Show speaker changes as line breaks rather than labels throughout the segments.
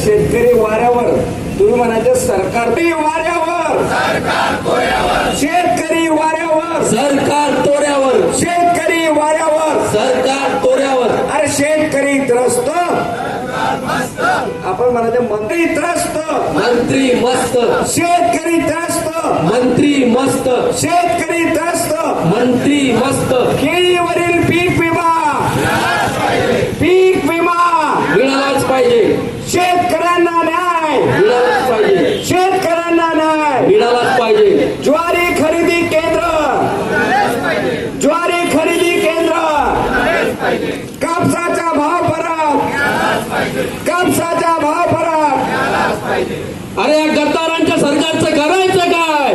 शेतकरी वाऱ्यावर, तुम्ही म्हणायचं सरकार वाऱ्यावर, शेतकरी वाऱ्यावर,
सरकार तोऱ्यावर,
शेतकरी वाऱ्यावर,
सरकार तोऱ्यावर.
अरे शेतकरी त्रस्त, आपण म्हणायचं मंत्री त्रस्त,
मंत्री मस्त,
शेतकरी त्रस्त,
मंत्री मस्त,
शेतकरी त्रस्त,
मंत्री मस्त.
केळीवरील पीक विमा, पीक विमा
मिळालाच पाहिजे,
शेतकऱ्यांना न्याय
मिळालाच पाहिजे,
शेतकऱ्यांना न्याय
मिळालाच पाहिजे.
ज्वारी खरेदी केंद्र, ज्वारी खरेदी केंद्र, कापसाचा भाव फरक, कापसाचा भाव फरक.
अरे या गद्दारांच्या सरकारचं करायचं काय?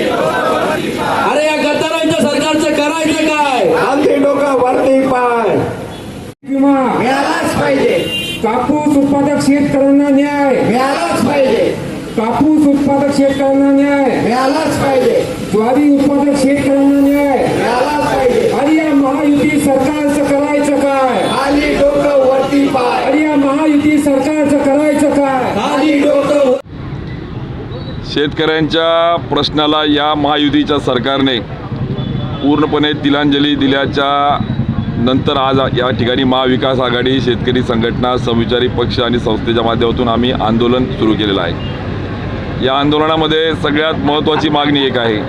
अरे या गद्दारांच्या सरकारचं करायचं काय?
आमचे डोकं वरती पाय.
विमा
मिळालाच पाहिजे,
कापूस उत्पादक शेतकऱ्यांना न्याय
मिळालाच पाहिजे,
कापूस उत्पादक शेतकऱ्यांना न्याय
मिळालाच पाहिजे,
ज्वारी उत्पादक शेतकऱ्यांना न्याय.
मिळालाच पाहिजे.
आणि या महायुती सरकारचं करायचं काय?
खाली डोकं वरती पाय,
आणि या महायुती सरकारचं करायचं काय?
खाली डोकं.
शेतकऱ्यांच्या प्रश्नाला या महायुतीच्या सरकारने पूर्णपणे तिलांजली दिल्याच्या नंतर आज या ठिकाणी महाविकास आघाडी, शेतकरी संघटना, समविचारी पक्ष आणि संस्थेच्या माध्यमातून आम्ही आंदोलन सुरू केलेलं आहे. या आंदोलनामध्ये सगळ्यात महत्त्वाची मागणी एक आहे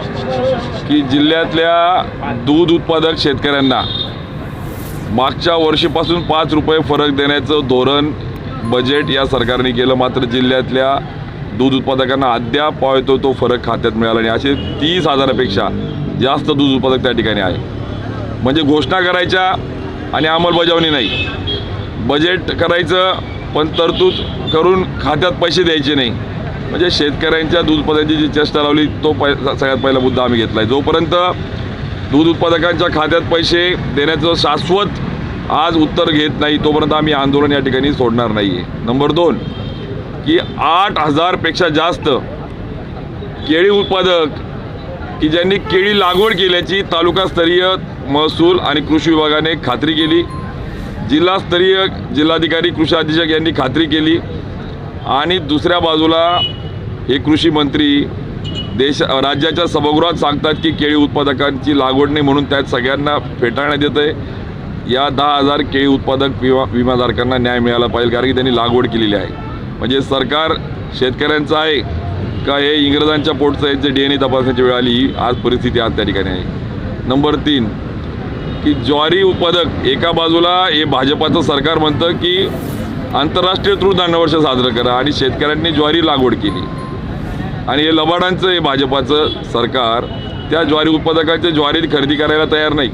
की जिल्ह्यातल्या दूध उत्पादक शेतकऱ्यांना मागच्या वर्षीपासून 5 रुपये फरक देण्याचं धोरण बजेट या सरकारने केलं, मात्र जिल्ह्यातल्या दूध उत्पादकांना अद्याप पावतो तो फरक खात्यात मिळाला नाही. असे 30,000पेक्षा जास्त दूध उत्पादक त्या ठिकाणी आहे. म्हणजे घोषणा करायच्या आणि अंमलबजावणी नाही, बजेट करायचं पण तरतूद करून खात्यात पैसे द्यायचे नाही. म्हणजे शेतकऱ्यांच्या दूध उत्पादनाची जी चेष्टा लावली तो सगळ्यात पहिला मुद्दा आम्ही घेतला आहे. जोपर्यंत दूध उत्पादकांच्या खात्यात पैसे देण्याचं शाश्वत आज उत्तर घेत नाही तोपर्यंत आम्ही आंदोलन या ठिकाणी सोडणार नाही आहे. नंबर 2 की 8,000पेक्षा जास्त केळी उत्पादक की ज्यांनी केळी लागवड केल्याची तालुकास्तरीय महसूल आणि कृषी विभागाने खात्री केली, जिल्हास्तरीय जिल्हाधिकारी, कृषी अधीक्षक यांनी खात्री केली, आणि दुसऱ्या बाजूला हे कृषी मंत्री राज्याच्या सभागृहात सांगतात की केळी उत्पादकांची लागवड नाही म्हणून त्यात सगळ्यांना फेटाळण्यात येतं आहे. या 10,000 केळी उत्पादक विमाधारकांना न्याय मिळाला पाहिजे, कारण की त्यांनी लागवड केलेली आहे. म्हणजे सरकार शेतकऱ्यांचं आहे का हे इंग्रजांच्या पोटचं आहे जे DNA तपासण्याची वेळ आली, ही आज परिस्थिती आज त्या ठिकाणी आहे. नंबर 3 की ज्वारी उत्पादक, एका बाजूला हे भाजपाचं सरकार म्हणतं की आंतरराष्ट्रीय तृणधान्यवर्ष साजरं करा आणि शेतकऱ्यांनी ज्वारी लागवड केली, आणि हे लबाडांचं हे भाजपाचं सरकार त्या ज्वारी उत्पादकांच्या ज्वारी खरेदी करायला तयार नाही.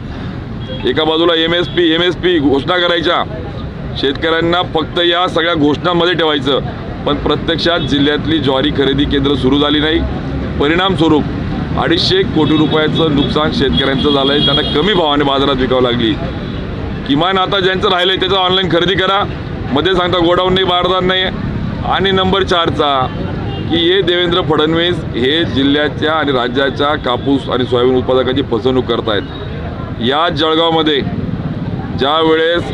एका बाजूला MSP घोषणा करायच्या, शेतकऱ्यांना फक्त या सगळ्या घोषणांमध्ये ठेवायचं, पण प्रत्यक्षात जिल्ह्यातली ज्वारी खरेदी केंद्र सुरू झाली नाही. परिणामस्वरूप 250 कोटी रुपयाचं नुकसान शेतकऱ्यांचं झालं आहे. त्यांना कमी भावाने बाजारात विकावं लागली. किमान आता ज्यांचं राहिलं आहे त्याचं ऑनलाईन खरेदी करा, मध्ये सांगता गोडाऊन नाही, बारदान नाही. आणि नंबर 4चा की हे देवेंद्र फडणवीस हे जिल्ह्याच्या आणि राज्याच्या कापूस आणि सोयाबीन उत्पादकांची फसवणूक करत आहेत. या जळगावमध्ये ज्या वेळेस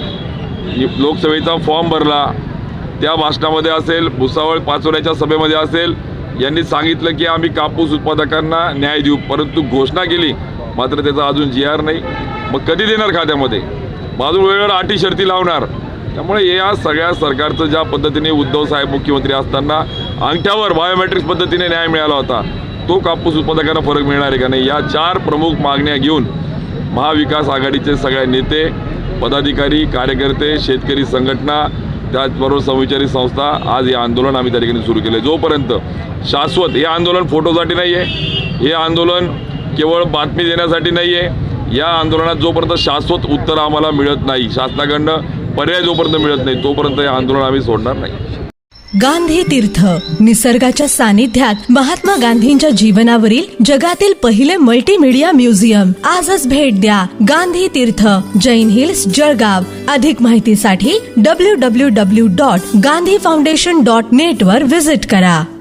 लोकसभेचा फॉर्म भरला त्या भाषणामध्ये असेल, भुसावळ पाचोऱ्याच्या सभेमध्ये असेल, यांनी सांगितलं की आम्ही कापूस उत्पादकांना न्याय देऊ, परंतु घोषणा केली मात्र त्याचा अजून GR नाही. मग कधी देणार खात्यामध्ये? बाजू वेळेवर अटी शर्ती लावणार. त्यामुळे या सगळ्या सरकारचं ज्या पद्धतीने उद्धव साहेब मुख्यमंत्री असताना अंगठ्यावर बायोमेट्रिक्स पद्धतीने न्याय मिळाला होता, तो कापूस उत्पादकांना फरक मिळणार आहे का नाही, या 4 प्रमुख मागण्या घेऊन महाविकास आघाडीचे सगळे नेते, पदाधिकारी, कार्यकर्ते, शेतकरी संघटना, त्याचबरोबर समविचारी संस्था आज हे आंदोलन आम्ही त्या ठिकाणी सुरू केलं. जोपर्यंत शाश्वत, हे आंदोलन फोटोसाठी नाही आहे, हे आंदोलन केवळ बातमी देण्यासाठी नाही आहे, या आंदोलनात जोपर्यंत शाश्वत उत्तर आम्हाला मिळत नाही, शासनाकडनं पर्याय जोपर्यंत मिळत नाही तोपर्यंत हे आंदोलन आम्ही सोडणार नाही.
गांधी तीर्थ, निसर्गाच्या सानिध्यात महात्मा गांधींच्या जीवनावरील जगातील पहिले मल्टीमीडिया म्युझियम. आजच भेट द्या. गांधी तीर्थ, जैन हिल्स, जळगाव. अधिक माहितीसाठी www.gandhifoundation.net वर व्हिजिट करा.